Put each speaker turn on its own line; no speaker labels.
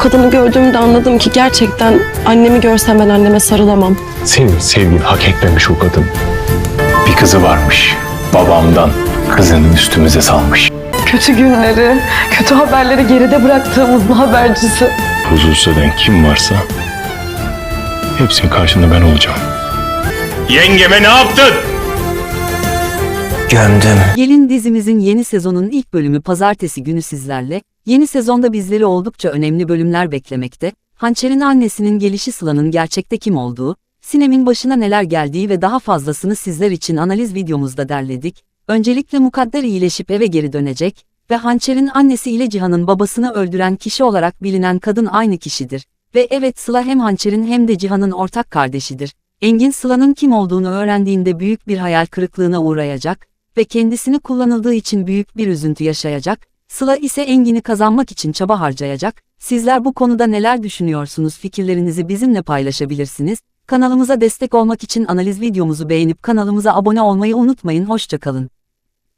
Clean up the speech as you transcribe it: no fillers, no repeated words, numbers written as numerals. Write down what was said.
kadını gördüğümde anladım ki gerçekten annemi görsem ben anneme sarılamam.
Senin sevgin hak etmemiş o kadın. Bir kızı varmış. Babamdan kızını üstümüze salmış.
Kötü günleri, kötü haberleri geride bıraktığımızın habercisi.
Huzursuz eden kim varsa hepsinin karşında ben olacağım. Yengeme ne yaptın?
Gömdüm.
Gelin dizimizin yeni sezonun ilk bölümü pazartesi günü sizlerle. Yeni sezonda bizleri oldukça önemli bölümler beklemekte. Hançer'in annesinin gelişi, Sıla'nın gerçekte kim olduğu, Sinem'in başına neler geldiği ve daha fazlasını sizler için analiz videomuzda derledik. Öncelikle Mukadder iyileşip eve geri dönecek ve Hançer'in annesi ile Cihan'ın babasını öldüren kişi olarak bilinen kadın aynı kişidir. Ve evet, Sıla hem Hançer'in hem de Cihan'ın ortak kardeşidir. Engin Sıla'nın kim olduğunu öğrendiğinde büyük bir hayal kırıklığına uğrayacak ve kendisini kullanıldığı için büyük bir üzüntü yaşayacak. Sıla ise Engin'i kazanmak için çaba harcayacak. Sizler bu konuda neler düşünüyorsunuz? Fikirlerinizi bizimle paylaşabilirsiniz. Kanalımıza destek olmak için analiz videomuzu beğenip kanalımıza abone olmayı unutmayın. Hoşça kalın.